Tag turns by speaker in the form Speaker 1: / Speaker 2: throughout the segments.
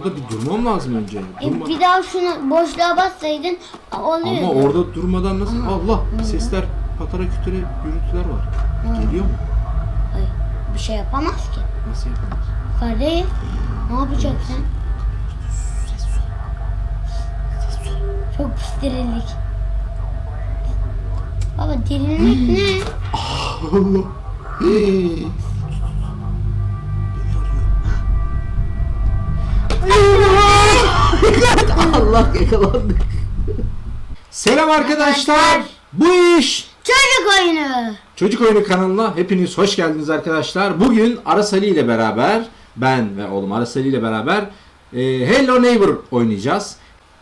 Speaker 1: orada bir durmam lazım önce.
Speaker 2: Bir daha şunu boşluğa bassaydın oluyordu.
Speaker 1: Ama orada durmadan nasıl? Allah! Sesler, patara kütüre gürültüler var. Geliyor mu?
Speaker 2: Ay, bir şey yapamaz ki.
Speaker 1: Nasıl yapamaz?
Speaker 2: Kardeş, ne yapacaksın?
Speaker 1: Ses sol. Ses sol.
Speaker 2: Çok pis derinlik. Baba derinlik ne?
Speaker 1: Allah! Hey! Allah, yakalandık. Selam arkadaşlar. Bu iş
Speaker 2: Çocuk oyunu.
Speaker 1: Çocuk Oyunu kanalına hepiniz hoş geldiniz arkadaşlar. Bugün Aras Ali ile beraber, ben ve oğlum Aras Ali ile beraber Hello Neighbor oynayacağız.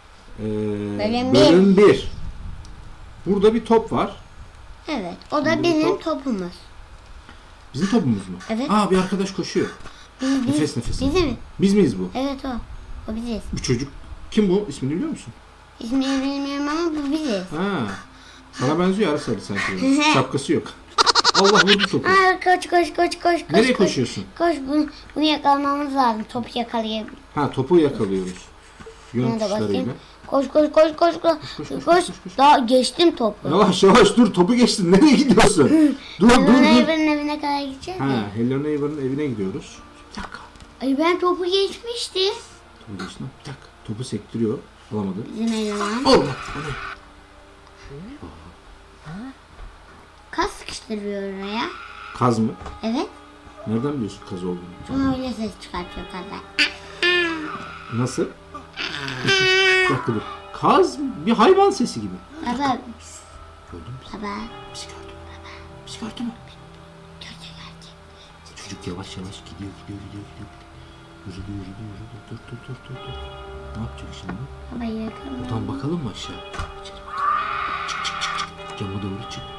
Speaker 1: Bölüm 1. Burada bir top var.
Speaker 2: Evet, o da bizim topumuz.
Speaker 1: Bizim topumuz mu?
Speaker 2: Evet.
Speaker 1: Aa, bir arkadaş koşuyor. Nefes nefese.
Speaker 2: Bizim mi?
Speaker 1: Biz miyiz bu?
Speaker 2: Evet o. O biziz.
Speaker 1: Bu çocuk kim bu? İsmini biliyor musun?
Speaker 2: İsmini bilmiyorum ama bu biziz.
Speaker 1: Ha. Sana benziyor Aras Ali sanki. Şapkası yok. Allah, vurdu topu.
Speaker 2: Aa, koş.
Speaker 1: Nereye koşuyorsun?
Speaker 2: Koş, bunu yakalamamız lazım. Topu yakalayabilir.
Speaker 1: Ha, topu yakalıyoruz. Yön
Speaker 2: Buna da
Speaker 1: tuşlarıyla.
Speaker 2: basayım. Koş. Daha geçtim topu.
Speaker 1: Yavaş dur, topu geçtin. Nereye gidiyorsun? dur.
Speaker 2: Neighbor'ın evine kadar gideceğiz
Speaker 1: Ha,
Speaker 2: ya.
Speaker 1: Hello Neighbor'ın evine gidiyoruz. Bir dakika.
Speaker 2: Ay ben topu geçmiştim.
Speaker 1: Topu geçtin. Bir dakika. Topu sektiriyor. Alamadı.
Speaker 2: Bizim eleman.
Speaker 1: Allah! O ne?
Speaker 2: Kas sıkıştırıyor oraya.
Speaker 1: Kaz mı?
Speaker 2: Evet.
Speaker 1: Nereden biliyorsun kaz olduğunu?
Speaker 2: Ama öyle ses çıkartıyor kazlar.
Speaker 1: Nasıl? Bir dakika dur. Kaz bir hayvan sesi gibi.
Speaker 2: Baba.
Speaker 1: Gördün mü?
Speaker 2: Baba.
Speaker 1: Bizi gördü. Bizi gördü mü?
Speaker 2: Gördü.
Speaker 1: Çocuk yavaş gidiyor. Yürüdü. Dur. Ne yapacak şimdi?
Speaker 2: Baba yakın.
Speaker 1: Buradan bakalım mı aşağı? İçeri bakalım. Çık. Cama doğru çık.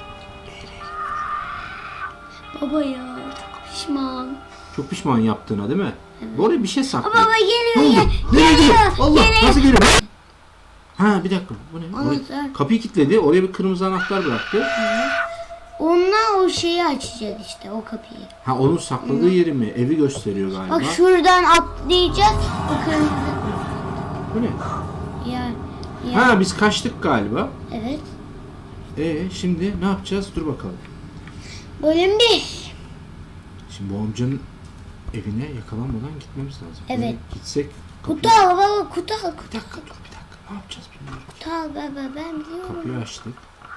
Speaker 2: Baba ya. Pişman.
Speaker 1: Çok pişman yaptığına değil mi? Evet. Oraya bir şey saklı.
Speaker 2: Baba
Speaker 1: Ne oldu?
Speaker 2: geliyor.
Speaker 1: Nereye gidiyor? Allah,
Speaker 2: geliyor.
Speaker 1: nasıl geliyor? Ha, bir dakika. Bu ne?
Speaker 2: Anahtar.
Speaker 1: Kapıyı kilitledi. Oraya bir kırmızı anahtar bıraktı.
Speaker 2: Onunla o şeyi açacağız işte, o kapıyı.
Speaker 1: Ha, onun sakladığı yeri mi? Evi gösteriyor galiba.
Speaker 2: Bak şuradan atlayacağız. O kırmızı.
Speaker 1: Bu ne?
Speaker 2: Ya.
Speaker 1: Ha, biz kaçtık galiba.
Speaker 2: Evet.
Speaker 1: Şimdi ne yapacağız? Dur bakalım.
Speaker 2: Bölüm 1.
Speaker 1: Şimdi bu amcanın evine yakalanmadan gitmemiz lazım.
Speaker 2: Evet.
Speaker 1: Böyle gitsek
Speaker 2: Kutu al baba, kutu al.
Speaker 1: Bir dakika. Ne yapacağız bilmiyorum.
Speaker 2: Kutu al baba, ben biliyorum.
Speaker 1: Kapıyı açtık.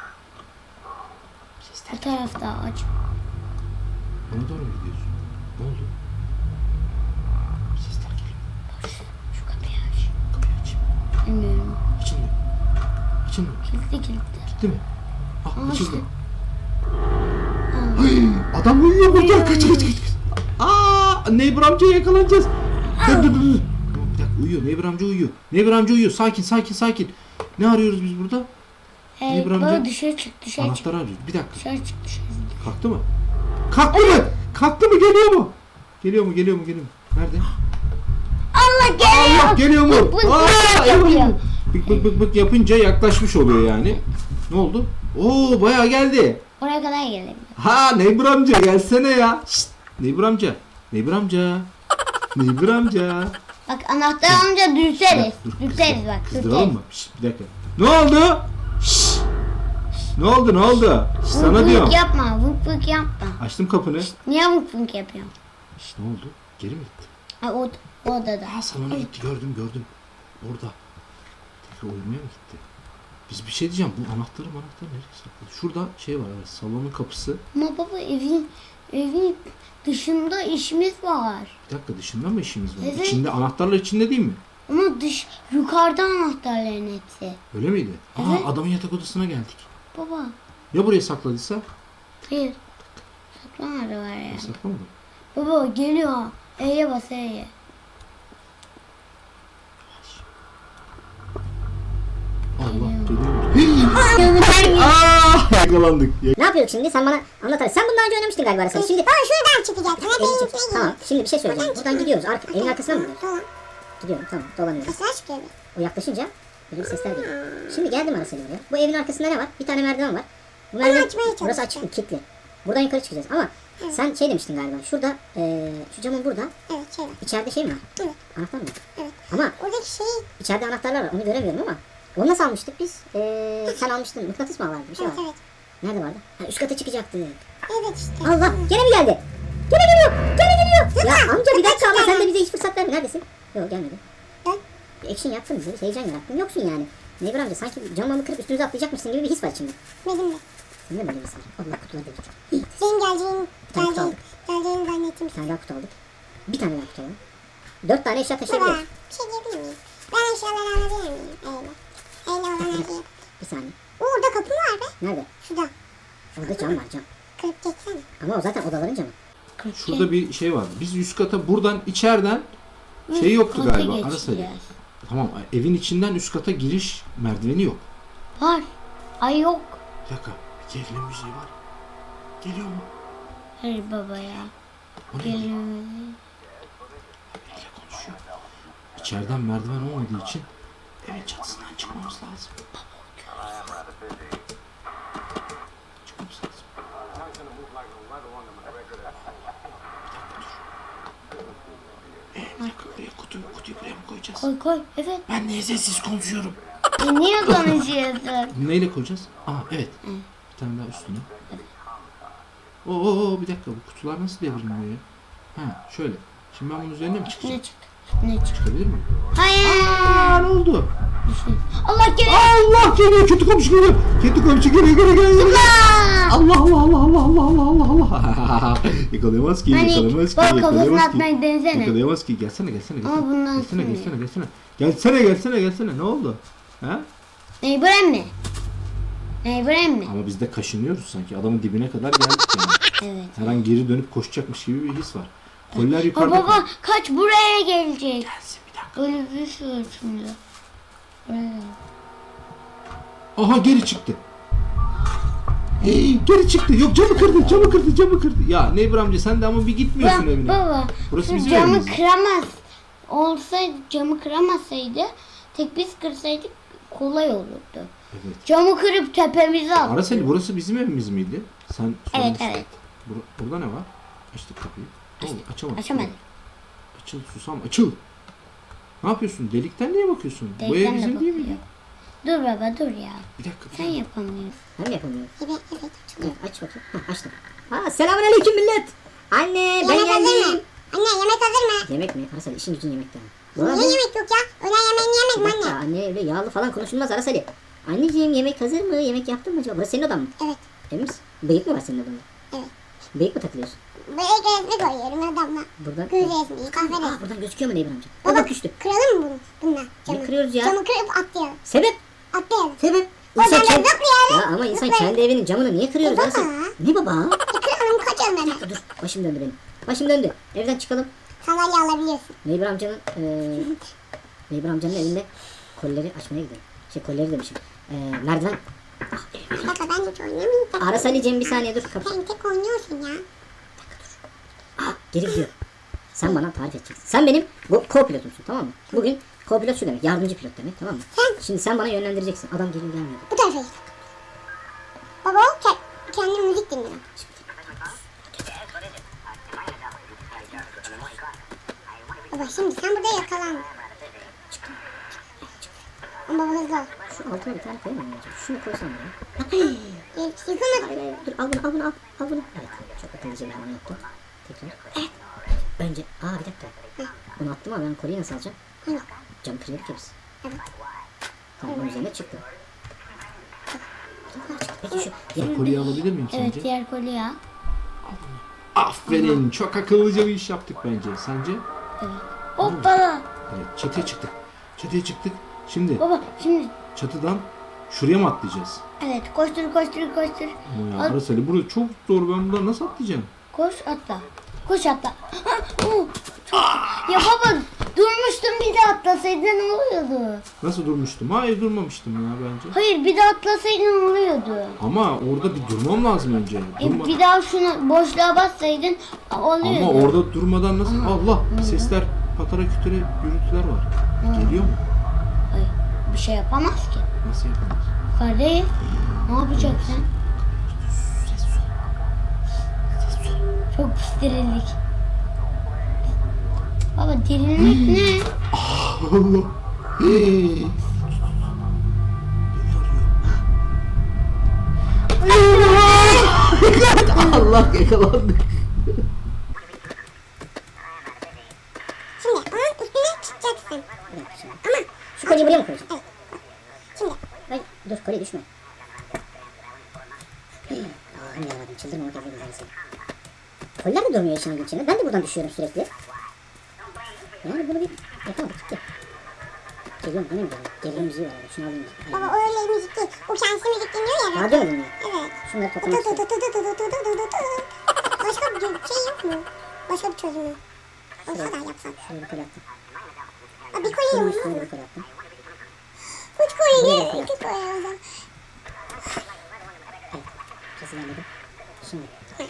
Speaker 2: Bu tarafta aç.
Speaker 1: Bana doğru mu gidiyorsun? Ne oldu? Sesler geliyor.
Speaker 2: Şu kapıyı aç.
Speaker 1: Kapıyı açayım.
Speaker 2: Bilmiyorum.
Speaker 1: Açın mı?
Speaker 2: Kilitli.
Speaker 1: Gitti mi? Ah, açıldı.
Speaker 2: açtı.
Speaker 1: Ay, adam uyuyor burada. Kaç. Aa, Neighbor amcaya yakalanacağız. Dur. Tamam, bir dakika, uyuyor. Neighbor amca uyuyor. Sakin. Ne arıyoruz biz burada?
Speaker 2: Hey,
Speaker 1: Baba,
Speaker 2: baba dışarı çık.
Speaker 1: Anahtarı arıyoruz. Bir dakika.
Speaker 2: Dışarı çık.
Speaker 1: Kalktı mı? Kalktı mı? Geliyor mu? Nerede?
Speaker 2: Allah geliyor.
Speaker 1: Allah, geliyor mu?
Speaker 2: Bık yapıyor.
Speaker 1: Bık yapınca yaklaşmış oluyor yani. Ne oldu? Oo, bayağı geldi.
Speaker 2: Oraya kadar gelelim.
Speaker 1: Ha, Neighbor amca gelsene ya. Şşt, Neighbor amca.
Speaker 2: Bak anahtar alınca dürteriz. Dürteriz bak.
Speaker 1: Kızdıralım mı? Şşt, bir dakika. Ne oldu? Şşt. Ne oldu? Şşt, sana diyorum.
Speaker 2: Yapma. Vık yapma.
Speaker 1: Açtım kapını.
Speaker 2: Niye vık yapıyorsun?
Speaker 1: Şşt, ne oldu? Geri mi gitti?
Speaker 2: Ha, o odada.
Speaker 1: Ha, salona gitti, gördüm. Orada. Tekrar uyumaya mı gitti? Biz bir şey diyeceğim. Bu anahtarı nereye sakladı? Şurada şey var, evet, salonun kapısı.
Speaker 2: Ama baba evin dışında işimiz var.
Speaker 1: Bir dakika, dışında mı işimiz var?
Speaker 2: Evet.
Speaker 1: İçinde, anahtarlar içinde değil mi?
Speaker 2: Ama yukarıda anahtarların hepsi.
Speaker 1: Öyle miydi?
Speaker 2: Evet.
Speaker 1: Adamın yatak odasına geldik.
Speaker 2: Baba.
Speaker 1: Ya buraya sakladıysa?
Speaker 2: Hayır. Saklamadı var ya.
Speaker 1: Saklamadım.
Speaker 2: Baba geliyor. E'ye bas E'ye.
Speaker 1: Allah, geliyor. Aa, yakalandık.
Speaker 3: Ne yapıyorduk şimdi? Sen bana anlat hadi. Sen bundan önce oynamıştın galiba Arasını. Şimdi
Speaker 4: Şuradan çıkacak.
Speaker 3: Tamam. Şimdi bir şey söyleyeceğim. Buradan gidiyoruz. Evin arkasına mı gidiyoruz? Gidiyorum. Tamam. Dolanıyoruz.
Speaker 4: Nasıl aşk gibi?
Speaker 3: O yaklaşınca böyle bir sesler geliyor. Şimdi geldim Arasını oraya. Bu evin arkasında ne var? Bir tane merdiven var. Bu merdiven
Speaker 4: açmaya
Speaker 3: burası
Speaker 4: çalışacağım.
Speaker 3: açık mı? Kilitli. Buradan yukarı çıkacağız ama sen şey demiştin galiba. Şurada şu camın burada.
Speaker 4: Evet şey var.
Speaker 3: İçeride şey mi var?
Speaker 4: Evet.
Speaker 3: Anahtar mı?
Speaker 4: Evet.
Speaker 3: Ama
Speaker 4: Oradaki şey.
Speaker 3: içeride anahtarlar var. Onu göremiyorum ama. Onu nasıl almıştık biz? Sen almıştın. Mıknatıs mı vardı? Bir şey
Speaker 4: Evet
Speaker 3: var.
Speaker 4: evet.
Speaker 3: Nerede vardı? Ha, üst kata çıkacaktı.
Speaker 4: Evet işte.
Speaker 3: Allah! Gene mi geldi? Gene geliyor! Gene geliyor! Ya amca bir dakika ama sen de bize hiç fırsat verme. Neredesin? Yok gelmedi.
Speaker 4: Ben.
Speaker 3: Bir action yaptın bize. Bir heyecan yarattın. Yoksun yani. Neighbor amca sanki camımı kırıp üstünüze atlayacakmışsın gibi bir his var içinde.
Speaker 4: Benim de.
Speaker 3: Senin de böyle bir his var. Allah kutuları dedik.
Speaker 4: Senin geleceğini
Speaker 3: aldık.
Speaker 4: zannettim.
Speaker 3: Bir tane daha kutu aldık. Bir tane daha kutu alalım. 4 tane eşya
Speaker 4: Baba
Speaker 3: taşıyabiliyoruz.
Speaker 4: bir şey diyebilir miyim? Ben eşyaları alabilir miyim? Öyle. Öyle olan her şeyi.
Speaker 3: Bir saniye.
Speaker 4: Orada kapı var be.
Speaker 3: Nerede?
Speaker 4: Şurada.
Speaker 3: Orada cam var cam.
Speaker 4: Kırıp geçsene.
Speaker 3: Ama o zaten odaların camı.
Speaker 1: Şurada bir şey var. Biz üst kata buradan içeriden şey yoktu
Speaker 2: Kata
Speaker 1: galiba.
Speaker 2: geçeceğiz.
Speaker 1: Arasali. Tamam evin içinden üst kata giriş merdiveni yok.
Speaker 2: Var. Ay yok.
Speaker 1: Bir dakika. Bir gerilim müziği var. Geliyor mu?
Speaker 2: Hayır baba ya.
Speaker 1: O ne?
Speaker 2: Geliyor.
Speaker 1: Biriyle konuşuyor. İçeriden merdiven olmadığı için evin çatısından çıkmamız lazım. Çıkmamız lazım. Bir dakika buraya kutuyu buraya mı koyacağız?
Speaker 2: Koy koy. Evet.
Speaker 1: Ben niye sessiz konuşuyorum?
Speaker 2: Niye konuşuyorsun?
Speaker 1: Neyle koyacağız? Aa evet. Bir tane daha üstüne. Oo bir dakika bu kutular nasıl devrilmiyor ya? Ha şöyle. Şimdi ben bunun üzerine mi çıkacağım?
Speaker 2: Ne çık? Ne çık?
Speaker 1: Çıkabilir miyim?
Speaker 2: Hayır.
Speaker 1: Aa ne oldu?
Speaker 2: Allah geliyor.
Speaker 1: Allah geliyor kötü komşu geliyor. Kötü komşu geliyor. Allah Allah Allah Allah Allah Allah Allah Allah. Yakalayamaz ki
Speaker 2: Hani
Speaker 1: yakalayamaz ki
Speaker 2: bak kafasını
Speaker 1: yakalayamaz ki.
Speaker 2: atmayı denesene.
Speaker 1: Yakalayamaz ki gelsene gelsene
Speaker 2: Ama bundan
Speaker 1: gelsene.
Speaker 2: sonra.
Speaker 1: Gelsene ne oldu? Ha?
Speaker 2: Neighbor emmi. Neighbor emmi.
Speaker 1: Ama biz de kaşınıyoruz sanki adamın dibine kadar geldik yani.
Speaker 2: Evet.
Speaker 1: Her an geri dönüp koşacakmış gibi bir his var. Koller yukarıda.
Speaker 2: Baba kaç buraya gelecek.
Speaker 1: Gelsin bir dakika.
Speaker 2: Böyle bir şey şimdi. Buraya.
Speaker 1: Aha geri çıktı. Geri çıktı. Yok camı kırdı. Ya Neighbor amca sen de ama bir gitmiyorsun evine.
Speaker 2: Baba.
Speaker 1: Burası
Speaker 2: şu
Speaker 1: bizim
Speaker 2: camı
Speaker 1: evimiz.
Speaker 2: kıramaz. Olsaydı camı kıramasaydı tek biz kırsaydık kolay olurdu.
Speaker 1: Evet.
Speaker 2: Camı kırıp tepemize attı.
Speaker 1: Araseli burası bizim evimiz miydi? Sen
Speaker 2: Evet
Speaker 1: sormuştun.
Speaker 2: evet.
Speaker 1: Burada ne var? Açtık kapıyı. Ne oldu? Açamadık.
Speaker 2: Açamadık.
Speaker 1: Açıl susam açıl. Ne yapıyorsun? Delikten niye bakıyorsun? Bu ev
Speaker 2: Delikten de
Speaker 1: bizim değil
Speaker 2: bakıyor.
Speaker 1: miydi?
Speaker 2: Dur baba dur ya.
Speaker 1: Bir dakika.
Speaker 2: Sen yapamıyorsun.
Speaker 3: Ben mi yapamıyorum?
Speaker 4: Evet evet.
Speaker 3: Evet, aç bakayım. Hah, açtım. Selamünaleyküm millet. Anne ben
Speaker 4: Yemek hazır mı?
Speaker 3: geldim.
Speaker 4: Anne yemek hazır mı?
Speaker 3: Yemek mi? Arasali işin gücün yemekten.
Speaker 4: Niye yemek yok ya? Öğlen yemeğini yemedim anne.
Speaker 3: Anne öyle yağlı falan konuşulmaz Arasali. Anneciğim yemek hazır mı? Yemek yaptın mı acaba? Burası senin odan mı?
Speaker 4: Evet.
Speaker 3: Emin misin? Bıyık mı var senin odanda?
Speaker 4: Evet.
Speaker 3: Bıyık mı takılıyorsun?
Speaker 4: Böyle resmi koyuyorum adamla.
Speaker 3: Buradan.
Speaker 4: Gül resmi, kahve resmi.
Speaker 3: Buradan gözüküyor mu Neighbor amca?
Speaker 4: Baba
Speaker 3: Baba düştü.
Speaker 4: kıralım mı bunu? Bununla camı.
Speaker 3: kırıyoruz ya?
Speaker 4: Camı kırıp atlayalım.
Speaker 3: Sebep?
Speaker 4: Atlayalım.
Speaker 3: Sebep?
Speaker 4: Oradan da
Speaker 3: kendi...
Speaker 4: zıplayalım.
Speaker 3: Ya ama insan kendi evinin camını niye kırıyoruz
Speaker 4: Baba.
Speaker 3: Arasali? Ne baba?
Speaker 4: Kıralım kaçalım hemen.
Speaker 3: Dur başım döndü benim. Başım döndü. Evden çıkalım.
Speaker 4: Sandalye alabiliyorsun.
Speaker 3: Neighbor amcanın Neighbor amcanın evinde kolileri açmaya gidelim. Kolileri demişim. Merdiven.
Speaker 4: Bir dakika ben hiç oynamayayım.
Speaker 3: Aras Ali'cim bir saniye dur. Kapı.
Speaker 4: Sen tek oynuyorsun ya.
Speaker 3: Geri gidiyor. Sen bana tarif edeceksin. Sen benim co-pilotumsun tamam mı? Bugün co-pilot şu demek. Yardımcı pilot demek tamam mı? Şimdi sen bana yönlendireceksin. Adam geliyor gelmiyor.
Speaker 4: Bu tarafa git. Baba o kendi müzik dinliyor. Baba şimdi sen burada yakalan. Ama baba hızlı ol.
Speaker 3: Şu altına bir tane koyamam mı? Şunu koysam ya.
Speaker 4: Yıkılma.
Speaker 3: Hayır. Dur al bunu. Al bunu. Evet. Çok akıllıca bir hamle yaptım. Tekrar. Evet. Önce. Bir dakika. Bunu attım ama ben koliyi nasıl alacağım?
Speaker 4: Hani?
Speaker 3: Cam kırıyorduk ya biz.
Speaker 4: Evet.
Speaker 3: Tamam onun üzerine çıktı. Peki şu
Speaker 1: Diğer kolyeyi alabilir miyim
Speaker 2: Evet
Speaker 1: sence?
Speaker 2: diğer koli ya.
Speaker 1: Aferin. Çok akıllıca bir iş yaptık bence. Sence?
Speaker 2: Evet. Hoppala.
Speaker 1: Evet. Çatıya çıktık. Şimdi
Speaker 2: Baba şimdi
Speaker 1: çatıdan şuraya mı atlayacağız?
Speaker 2: evet koştur.
Speaker 1: Ama ya
Speaker 2: At.
Speaker 1: Araseli burası çok zor. Ben buradan nasıl atlayacağım?
Speaker 2: Koş atla. Koş atla. Ya baba durmuştun bir de atlasaydın ne oluyordu?
Speaker 1: Nasıl durmuştum? Hayır durmamıştım ya bence.
Speaker 2: Hayır bir de atlasaydın ne oluyordu?
Speaker 1: Ama orada bir durmam lazım önce.
Speaker 2: Bir daha şunu boşluğa bassaydın oluyordu.
Speaker 1: Ama orada durmadan nasıl? Allah sesler patara kütüre gürültüler var. Geliyor mu?
Speaker 2: Hayır bir şey yapamaz ki.
Speaker 1: Nasıl yapamaz?
Speaker 2: Yukarıdayız. Ne yapacaksın?
Speaker 1: Ses ol.
Speaker 2: Çok pis dirildik. Baba dirilmek ne?
Speaker 1: Allah. Beni arıyor. Allah yakalandık.
Speaker 4: Şimdi onun üstüne çıkacaksın.
Speaker 3: Bir dakika şimdi.
Speaker 4: Ama
Speaker 3: Şu kolyeyi buraya mı koyacağım?
Speaker 4: evet. Şimdi
Speaker 3: Hayır dur kolye düşme. Allah'ım yarabbim çıldırmamak üzere güzel seni. Kolyeler de durmuyor işin içinde. Ben de buradan düşüyorum sürekli. Yani bunu bir yapamadık gitti. Geliyorum yine mi geliyorum? Geliyorum müziği var orada. Şunu alayım.
Speaker 4: baba o öyle müzik değil. O kendisi müzik dinliyor ya.
Speaker 3: Radyo mu dinliyor?
Speaker 4: Evet.
Speaker 3: Şunları
Speaker 4: Tı
Speaker 3: toplamak
Speaker 4: tı tı
Speaker 3: istiyorum.
Speaker 4: tı tı tı tı tı tı tı tı. Başka bir şey yok mu? Başka bir çözümü. Olsa da yapsak.
Speaker 3: Şuraya bir kolye attım.
Speaker 4: Aa, bir kolye
Speaker 3: Şunun
Speaker 4: olmaz
Speaker 3: üstüne
Speaker 4: mı?
Speaker 3: bir kolye attım.
Speaker 4: Üç kolye
Speaker 3: Buraya
Speaker 4: değil.
Speaker 3: koy.
Speaker 4: İki kolye o zaman.
Speaker 3: Evet. Kesin anladım. Şimdi.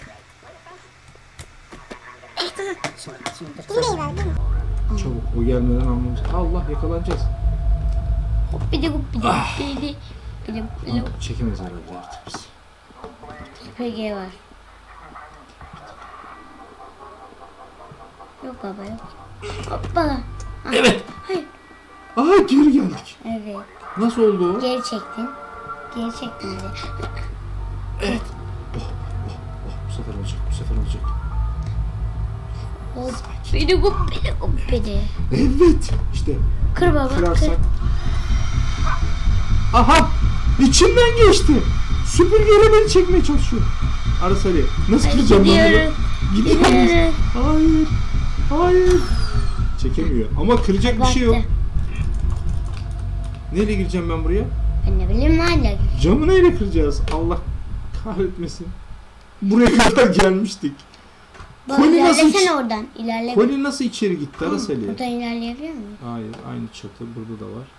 Speaker 3: Şimdi dur.
Speaker 4: Dinleyi ver değil mi?
Speaker 1: Çabuk o gelmeden almamız. Allah yakalanacağız.
Speaker 2: Hoppidi hoppidi hoppidi. Bidi hoppidi.
Speaker 1: Çekemez herhalde artık biz.
Speaker 2: PG var. Yok baba yok. Hoppala. Ah,
Speaker 1: Evet.
Speaker 2: hayır.
Speaker 1: Aha geri geldik.
Speaker 2: Evet.
Speaker 1: Nasıl oldu o?
Speaker 2: Geri çektin. Geri çektin bizi.
Speaker 1: Evet. Bu sefer olacak. Bu sefer olacak.
Speaker 2: Hoppidi hoppidi hoppidi.
Speaker 1: Evet. İşte
Speaker 2: Kır baba kır.
Speaker 1: kırarsak. Aha. İçinden geçti. Süpürgeyle beni çekmeye çalışıyor. Arası Ali. Nasıl kıracağım ben
Speaker 2: Gidiyoruz.
Speaker 1: bunu? Gidiyoruz.
Speaker 2: Gidiyoruz.
Speaker 1: Hayır. Hayır. Çekemiyor. Ama kıracak bir şey yok.
Speaker 2: Baktı.
Speaker 1: Neyle gireceğim ben buraya?
Speaker 2: Ben ne bileyim hala.
Speaker 1: Camı neyle kıracağız? Allah kahretmesin. Buraya kadar gelmiştik.
Speaker 2: Baba
Speaker 1: Koli nasıl
Speaker 2: ilerlesene
Speaker 1: iç-
Speaker 2: oradan. İlerle.
Speaker 1: Koli nasıl içeri gitti Aras Ali?
Speaker 2: Buradan ilerleyebiliyor muyum?
Speaker 1: Hayır, aynı çatı burada da var.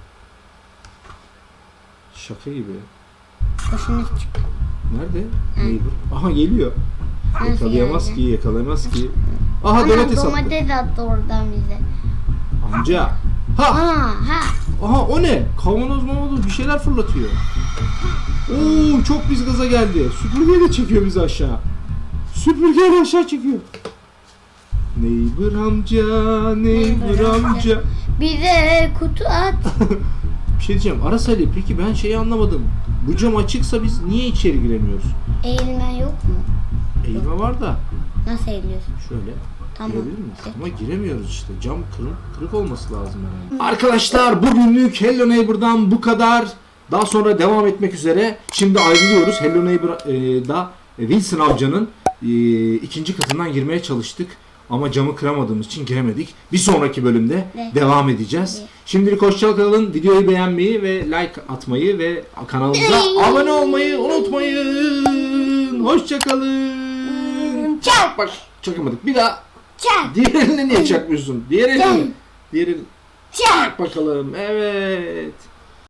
Speaker 1: Şaka gibi.
Speaker 2: Boşuna çık.
Speaker 1: Nerede? Neighbor. Aha geliyor.
Speaker 2: Nasıl
Speaker 1: Yakalayamaz
Speaker 2: yani?
Speaker 1: ki, yakalayamaz ki. Aha
Speaker 2: Ana
Speaker 1: domates attı.
Speaker 2: domates attı oradan bize.
Speaker 1: Amca. Ha!
Speaker 2: Ha.
Speaker 1: Aha o ne? Kavanoz mavanoz bir şeyler fırlatıyor. Oo çok biz gaza geldi. Süpürgeyle çekiyor bizi aşağı. Süpürgeyle aşağı çekiyor. Neighbor amca, neighbor amca.
Speaker 2: Bize kutu at.
Speaker 1: Bir şey diyeceğim. Aras Ali peki ben şeyi anlamadım. Bu cam açıksa biz niye içeri giremiyoruz?
Speaker 2: Eğilmen yok mu?
Speaker 1: Eğilme var da.
Speaker 2: Nasıl eğiliyorsun?
Speaker 1: Şöyle.
Speaker 2: Tamam.
Speaker 1: Girebilir miyiz? Ama giremiyoruz işte. Cam kırık olması lazım herhalde. Arkadaşlar bugünlük Hello Neighbor'dan bu kadar. Daha sonra devam etmek üzere. Şimdi ayrılıyoruz. Hello Neighbor'da Wilson amcanın ikinci katından girmeye çalıştık. Ama camı kıramadığımız için giremedik. Bir sonraki bölümde
Speaker 2: Ne?
Speaker 1: devam edeceğiz. Şimdilik hoşça kalın. Videoyu beğenmeyi ve like atmayı ve kanalımıza abone olmayı unutmayın. Hoşça kalın.
Speaker 2: Çak.
Speaker 1: Bak çakamadık. Bir daha.
Speaker 2: Çak.
Speaker 1: Diğer eline niye çakmıyorsun? Diğer eline.
Speaker 2: Gel.
Speaker 1: Diğer eline.
Speaker 2: Çak.
Speaker 1: Bakalım. Evet.